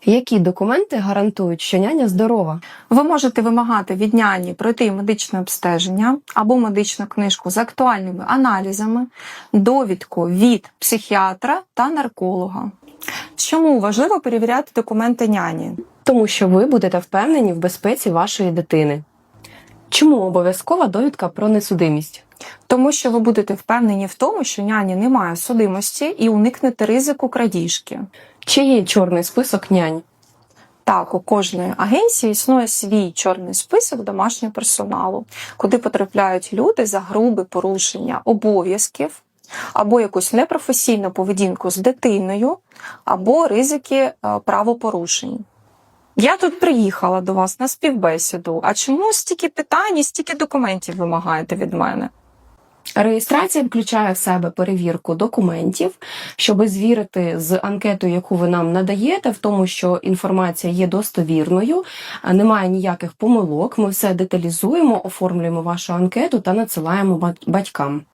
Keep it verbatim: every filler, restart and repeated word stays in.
Які документи гарантують, що няня здорова? Ви можете вимагати від няні пройти медичне обстеження або медичну книжку з актуальними аналізами, довідку від психіатра та нарколога. Чому важливо перевіряти документи няні? Тому що ви будете впевнені в безпеці вашої дитини. Чому обов'язкова довідка про несудимість? Тому що ви будете впевнені в тому, що няні немає судимості і уникнете ризику крадіжки. Чи є чорний список нянь? Так, у кожної агенції існує свій чорний список домашнього персоналу, куди потрапляють люди за грубе порушення обов'язків, або якусь непрофесійну поведінку з дитиною, або ризики правопорушень. Я тут приїхала до вас на співбесіду, а чому стільки питань і стільки документів вимагаєте від мене? Реєстрація включає в себе перевірку документів, щоб звірити з анкетою, яку ви нам надаєте, в тому, що інформація є достовірною, немає ніяких помилок, ми все деталізуємо, оформлюємо вашу анкету та надсилаємо батькам.